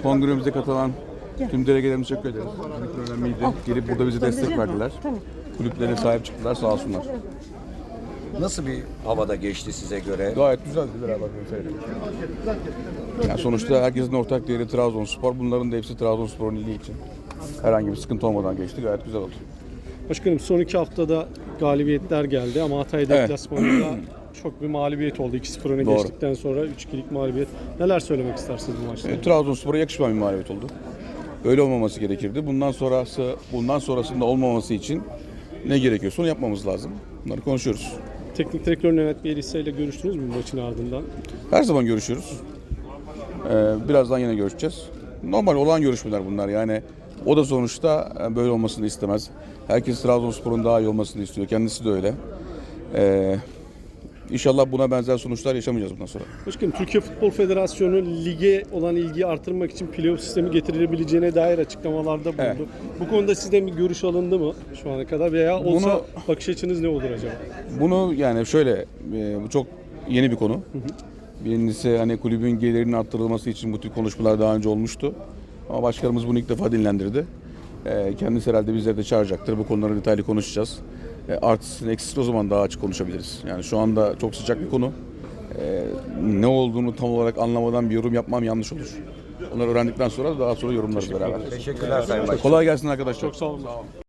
Kongremize katılan tüm delegelerimize teşekkür ederiz. Çok önemliydi. Gelip burada bize destek verdiler. Kulüplere sahip çıktılar, sağ olsunlar. Nasıl bir havada geçti size göre? Gayet güzeldi beraber seyredelim. Yani sonuçta herkesin ortak değeri Trabzonspor. Bunların da hepsi Trabzonspor'un iyiliği için. Herhangi bir sıkıntı olmadan geçti. Gayet güzel oldu. Başkanım son 2 haftada galibiyetler geldi ama Hatay deplasmanında çok bir mağlubiyet oldu. 2-0 öne Doğru. geçtikten sonra 3-2'lik mağlubiyet. Neler söylemek istersiniz bu maçta? Trabzonspor'a yakışmayan bir mağlubiyet oldu. Öyle olmaması gerekirdi. Bundan sonrasında olmaması için ne gerekiyorsa onu yapmamız lazım. Bunları konuşuyoruz. Teknik direktör Mehmet Bielitsa ile görüştünüz mü maçın ardından? Her zaman görüşüyoruz. Birazdan yine görüşeceğiz. Normal olan görüşmeler bunlar. Yani o da sonuçta böyle olmasını istemez. Herkes Trabzonspor'un daha iyi olmasını istiyor. Kendisi de öyle. İnşallah buna benzer sonuçlar yaşamayacağız bundan sonra. Başkanım, Türkiye Futbol Federasyonu lige olan ilgiyi artırmak için playoff sistemi getirilebileceğine dair açıklamalarda bulundu. Evet. Bu konuda sizden bir görüş alındı mı şu ana kadar veya olsa bakış açınız ne olur acaba? Bunu yani şöyle, bu çok yeni bir konu. Birincisi hani kulübün gelirinin arttırılması için bu tür konuşmalar daha önce olmuştu. Ama başkanımız bunu ilk defa dinlendirdi. Kendisi herhalde bizleri de çağıracaktır. Bu konuları detaylı konuşacağız. Artısını eksisini o zaman daha açık konuşabiliriz. Yani şu anda çok sıcak bir konu. Ne olduğunu tam olarak anlamadan bir yorum yapmam yanlış olur. Onları öğrendikten sonra daha sonra yorumlarız beraber. Teşekkürler Sayın Başkan. Kolay gelsin arkadaşlar. Çok sağ olun.